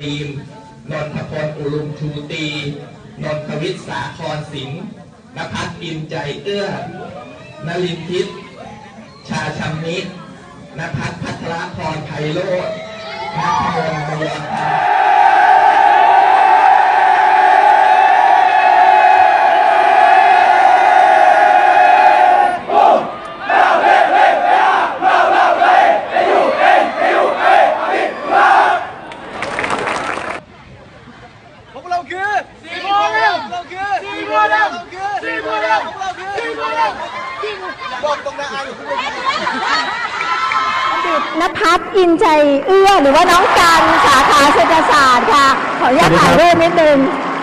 ทีมนนทพลอุลุมชูตีนนทวิทย์สาครสิงห์ณภัทรอินใจเอื้อนลินทิพย์ชาชัมมิณภัทรพัทรพรไพโรจน์ณพงศ์บุรพาณภัทรอินใจเอื้อหรือว่าน้องกันสาขาเศรษฐศาสตร์ค่ะขออนุญาตถ่ายรูปนิดนึง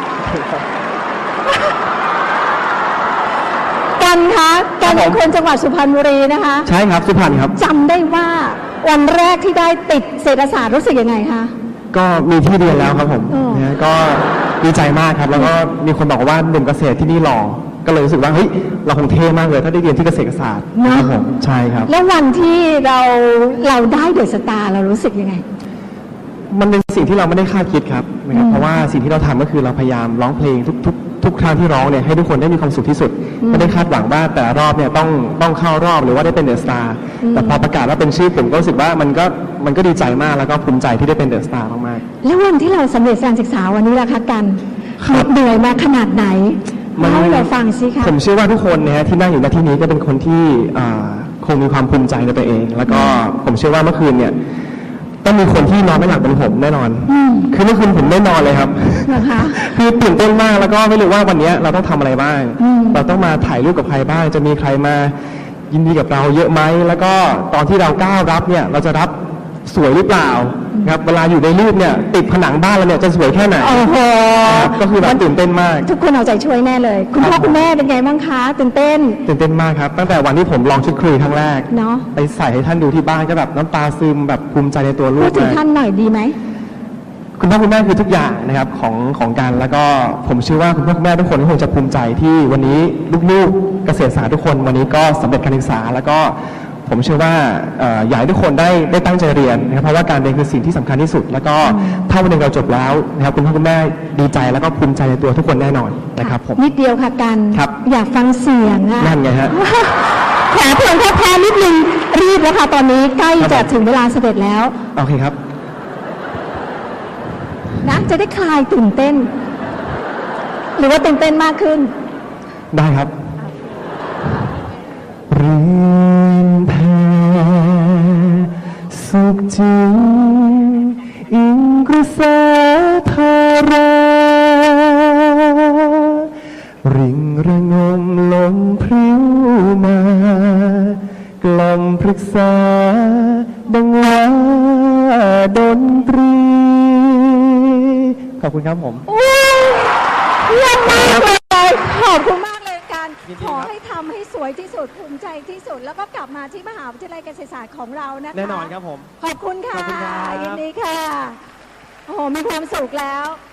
กันคะกันเป็นคนจังหวัดสุพรรณบุรีนะคะใช่ครับสุพรรณครับจำได้ว่าวันแรกที่ได้ติดเศรษฐศาสตร์รู้สึกยังไงคะก็มีที่เรียนแล้วครับผมนะก็ดีใจมากครับแล้วก็มีคนบอกว่าหนุ่มเกษตรที่นี่หล่อก็เลยรู้สึกว่าเฮ้ยเราคงเท่มากเลยถ้าได้เรียนที่เกษตรศาสตร์นะครับผมใช่ครับแล้ววันที่เราได้เดอะสตาร์เรารู้สึกยังไงมันเป็นสิ่งที่เราไม่ได้คาดคิดครับนะครับเพราะว่าสิ่งที่เราทำก็คือเราพยายามร้องเพลงทุกครั้งที่ร้องเนี่ยให้ทุกคนได้มีความสุขที่สุดไม่ได้คาดหวังว่าแต่รอบเนี่ยต้องเข้ารอบหรือว่าได้เป็นเดอะสตาร์แต่พอประกาศว่าเป็นชื่อผมก็รู้สึกว่ามันก็ดีใจมากแล้วก็ภูมิใจที่ได้เป็นเดอะสตาร์มากๆแล้ววันที่เราสำเร็จการศึกษาวันนี้ล่ะคะกันเหนื่อยมาขนาดไหนเล่าให้เราฟังสิคะผมเชื่อว่าทุกคนนะฮะที่นั่งอยู่ณที่นี้ก็เป็นคนที่คงมีความภูมิใจในตัวเองแล้วก็ผมเชื่อว่าเมื่อคืนเนี่ยต้องมีคนที่นอนไม่หลับเป็นผมแน่นอนคือเมื่อคืนผมไม่นอนเลยครับคือตื่นเต้นมากแล้วก็ไม่รู้ว่าวันนี้เราต้องทำอะไรบ้างเราต้องมาถ่ายรูปกับใครบ้างจะมีใครมายินดีกับเราเยอะไหมแล้วก็ตอนที่เราก้าวรับเนี่ยเราจะรับสวยหรือเปล่าครับเวลาอยู่ในรูปเนี่ยติดผนังบ้านเราเนี่ยจะสวยแค่ไหนโอ้โหก็คือแบบตื่นเต้นมากทุกคนเอาใจช่วยแน่เลยคุณพ่อคุณแม่เป็นไงบ้างคะตื่นเต้นมากครับตั้งแต่วันที่ผมลองชุดคุยครั้งแรกเนาะไปใส่ให้ท่านดูที่บ้านก็แบบน้ำตาซึมแบบภูมิใจในตัวลูกพูดถึงท่านหน่อยดีไหมคุณพ่อคุณแม่คือทุกอย่างนะครับของการแล้วก็ผมเชื่อว่าคุณพ่อคุณแม่ทุกคนคงจะภูมิใจที่วันนี้ลูกๆเกษตรศาสตร์ทุกคนวันนี้ก็สำเร็จการศึกษาแล้วก็ผมเชื่อว่าอยากให้ทุกคนได้ตั้งใจเรียนนะครับเพราะว่าการเรียนคือสิ่งที่สำคัญที่สุดแล้วก็ถ้าวันหนึ่งเราจบแล้วนะครับคุณพ่อคุณแม่ดีใจแล้วก็ภูมิใจในตัวทุกคนแน่นอนนะครับผมนิดเดียวค่ะกันอยากฟังเสียงอะนั่นไงฮะแผลเพลิงแค่นิดนึงรีบแล้วค่ะตอนนี้ใกล้จะถึงเวลาเสด็จแล้วโอเคครับนะจะได้คลายตื่นเต้นหรือว่าตื่นเต้นมากขึ้นได้ครับริมแพสุขจริงอิงกระแสธาราริงระงมลมพริ้วมากล่อมปรึกษาดังว่าดนตรีขอบคุณครับผมเยี่ยมมากเลยขอบคุณมากเลยกันขอให้ทำให้สวยที่สุดภูมิใจที่สุดแล้วก็กลับมาที่มหาวิทยาลัยเกษตรศาสตร์ของเรานะคะแน่นอนครับผมขอบคุณค่ะยินดีค่ะโอ้โหมีความสุขแล้ว